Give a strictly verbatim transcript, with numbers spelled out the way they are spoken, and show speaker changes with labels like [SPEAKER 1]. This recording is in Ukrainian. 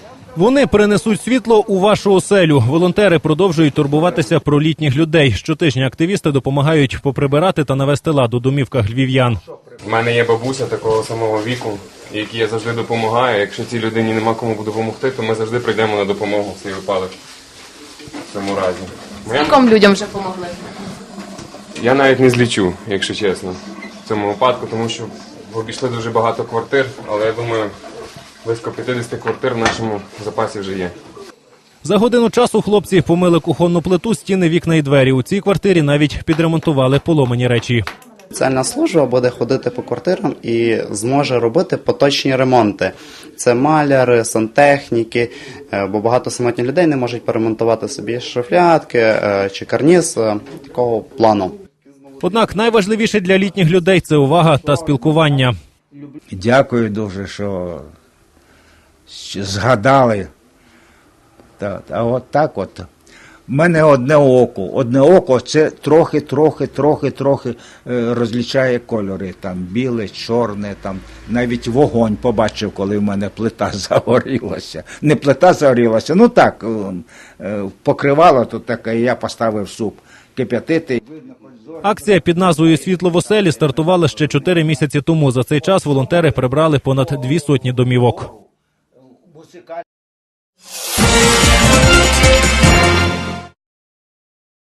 [SPEAKER 1] Вони принесуть світло у вашу оселю. Волонтери продовжують турбуватися про літніх людей. Щотижня активісти допомагають поприбирати та навести лад у домівках львів'ян.
[SPEAKER 2] У мене є бабуся такого самого віку, якій я завжди допомагаю. Якщо цій людині нема кому допомогти, то ми завжди прийдемо на допомогу в цей випадок. В цьому разі.
[SPEAKER 3] Скільком людям вже допомогли?
[SPEAKER 2] Я навіть не злічу, якщо чесно, в цьому випадку, тому що обійшли дуже багато квартир, але я думаю, близько п'ятдесят квартир в нашому запасі вже є.
[SPEAKER 1] За годину часу хлопці помили кухонну плиту, стіни, вікна і двері. У цій квартирі навіть підремонтували поломані речі.
[SPEAKER 4] Соціальна служба буде ходити по квартирам і зможе робити поточні ремонти. Це маляри, сантехніки, бо багато самотніх людей не можуть поремонтувати собі шуфлядки чи карніз такого плану.
[SPEAKER 1] Однак найважливіше для літніх людей – це увага та спілкування.
[SPEAKER 5] Дякую дуже, що згадали. А от так от. У мене одне око. Одне око – це трохи, трохи, трохи, трохи розлічає кольори. Там біле, чорне, там навіть вогонь побачив, коли в мене плита загорілася. Не плита загорілася, ну так, покривало тут таке, я поставив суп кип'ятити.
[SPEAKER 1] Акція під назвою «Світло в оселі» стартувала ще чотири місяці тому. За цей час волонтери прибрали понад дві сотні домівок.